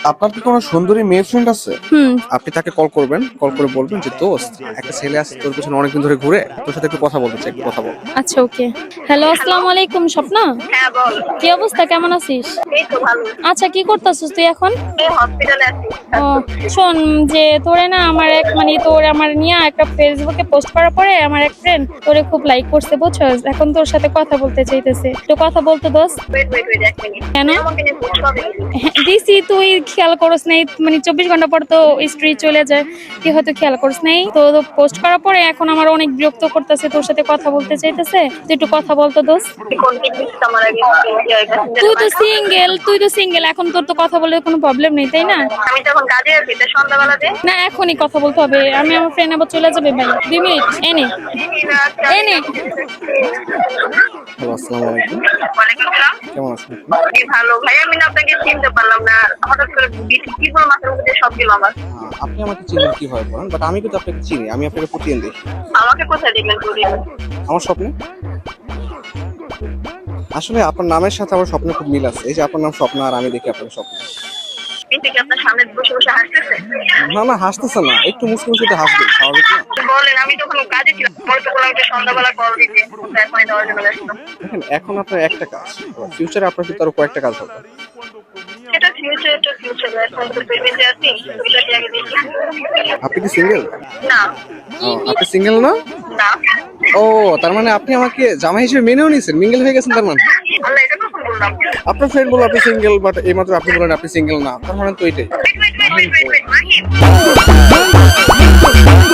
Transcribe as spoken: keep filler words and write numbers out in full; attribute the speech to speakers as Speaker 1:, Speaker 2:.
Speaker 1: আপনার কি কোনো সুন্দরী মেয়ে ফ্রেন্ড আছে?
Speaker 2: হুম।
Speaker 1: আপনি তাকে কল করবেন, কল করে বলবেন যে দোস্ত একটা ছেলে আছে তোর পিছনে অনেকদিন ধরে ঘুরে, তোর সাথে একটু কথা বলতে চাই, একটু কথা বল।
Speaker 2: আচ্ছা, ওকে। হ্যালো, আসসালামু আলাইকুম স্বপ্না।
Speaker 3: হ্যাঁ বল।
Speaker 2: কি অবস্থা, কেমন আছিস?
Speaker 3: এই তো ভালো।
Speaker 2: আচ্ছা, কি করতেছিস তুই এখন?
Speaker 3: এই হসপিটালে আছি।
Speaker 2: ও, শোন, যে তোরে না আমার এক মানে তোর আমার নিয়ে একটা ফেসবুকে পোস্ট করার পরে আমার এক ফ্রেন্ড তোরে খুব লাইক করছে, বুঝছস? এখন তোর সাথে কথা বলতে চাইতেছে, একটু কথা বলতে দোস।
Speaker 3: ওয়েট ওয়েট ওয়েট এক মিনিট।
Speaker 2: কেন?
Speaker 3: আমাকে নিয়ে পোস্ট করবে?
Speaker 2: হ্যাঁ, দিছি, তুই খেয়াল করস নাই, মানে চব্বিশ ঘন্টা পর তো স্ত্রী চলে যায়, তুই হয়তো খেয়াল করস নাই। তো পোস্ট করার পরে এখন আমার অনেক বিরক্ত করতেছে, তোর সাথে কথা বলতে চাইতেছে, তুই একটু কথা বলতো দোস।
Speaker 3: কোন কি দিচ্ছ আমার আগে?
Speaker 2: তুই তো সিঙ্গেল, তুই তো সিঙ্গেল, এখন তোর তো কথা বলে কোনো প্রবলেম নেই, তাই না?
Speaker 3: আমি তখন কাজে আছি, তো সন্ধ্যাবেলা দে।
Speaker 2: না, এখনই কথা বলতে হবে, আমি আমার ফ্রেন্ড আবার চলে যাবে ভাই, দুই মিনিট এনে এনে
Speaker 1: হ্যালো, আসসালামু আলাইকুম।
Speaker 3: ওয়ালাইকুম আসসালাম।
Speaker 1: কেমন আছেন আপনি?
Speaker 3: এই ভালো ভাই, আমি না আপনাকে চিনতে পারলাম না, হঠাৎ করে কি বল মাথার মধ্যে সব গেল আমার।
Speaker 1: আহ, আপনি আমাকে চিনেন কিভাবে বলেন, বাট আমি কিন্তু আপনাকে চিনি, আমি আপনাকে প্রতিদিন দেখি
Speaker 3: আমাকে কোথায় দেখলেন করি?
Speaker 1: আমার স্বপ্নে। আসলে আপনার নামের সাথে আমার স্বপ্নে খুব মিল আছে। এই যে আপনার নাম স্বপ্ন আর আমি দেখি আপনার স্বপ্ন।
Speaker 3: কিন্তু কি আপনার সামনে বসে বসে হাসতেছে?
Speaker 1: না না, হাসতেছে না, একটু মুসকে মুসকে হাসবে, স্বাভাবিক না?
Speaker 3: বলেন, আমি তখন কাজে ছিলাম, বলে তো বললাম যে সন্ধ্যাবেলা কল দিতে, এখনই দেওয়ার জন্য ব্যস্ত।
Speaker 1: দেখেন, এখন আপনার একটা কাজ, ফিউচারে আপনার কিন্তু আরো কয়েকটা কাজ হবে।
Speaker 3: এটা ফিউচার, এটা ফিউচার, এখন তো প্রেজেন্টে আছি, এটা কি আগে দেখি?
Speaker 1: আপনি কি সিঙ্গেল?
Speaker 3: না
Speaker 1: আপনি সিঙ্গেল না?
Speaker 3: না।
Speaker 1: ও, তার মানে আপনি আমাকে জামাই হিসেবে মেনেও নিয়েছেন, মিঙ্গেল হয়ে গেছেন তার মানে।
Speaker 3: আল্লাহ, এটা কখন বললাম?
Speaker 1: আপনার ফ্রেন্ড বলল আপনি সিঙ্গেল, বাট এইমাত্র আপনি বলেন আপনি সিঙ্গেল না, তার মানে তো এটাই।
Speaker 3: Wait, wait, wait, wait, wait, Mahim.